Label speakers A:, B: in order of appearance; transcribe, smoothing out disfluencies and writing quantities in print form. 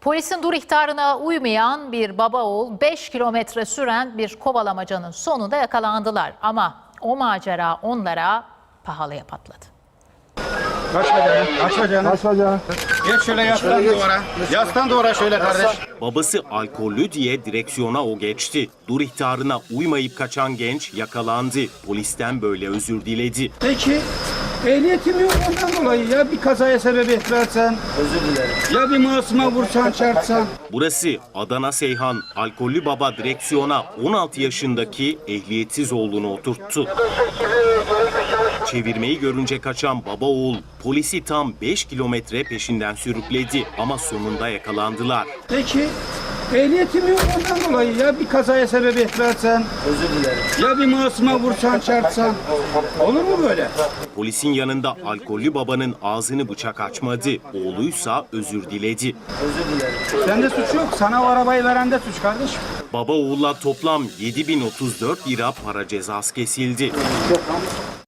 A: Polisin dur ihtarına uymayan bir baba oğul 5 kilometre süren bir kovalamacanın sonunda yakalandılar. Ama o macera onlara pahalıya patladı.
B: Aç bacağını, aç bacağını.
C: Aç bacağını.
B: Geç şöyle yastan duvara. Yastan duvara şöyle kardeş.
D: Babası alkollü diye direksiyona o geçti. Dur ihtarına uymayıp kaçan genç yakalandı. Polisten böyle özür diledi.
B: Peki ehliyetim yok ondan dolayı ya bir kazaya sebebiyet versen. Özür dilerim. Ya bir masuma vursan çarpsan.
D: Burası Adana Seyhan. Alkollü baba direksiyona 16 yaşındaki ehliyetsiz oğlunu oturttu. Çevirmeyi görünce kaçan baba oğul polisi tam 5 kilometre peşinden sürükledi ama sonunda yakalandılar.
B: Peki ehliyetim yok ondan dolayı ya bir kazaya sebebiyet versen. Özür dilerim. Ya bir masuma vursan çarpsan. Olur mu böyle?
D: Polisin yanında alkollü babanın ağzını bıçak açmadı. Oğluysa özür diledi.
B: Sende suç yok. Sana o arabayı veren de suç kardeşim.
D: Baba oğulla toplam 7.034 lira para cezası kesildi.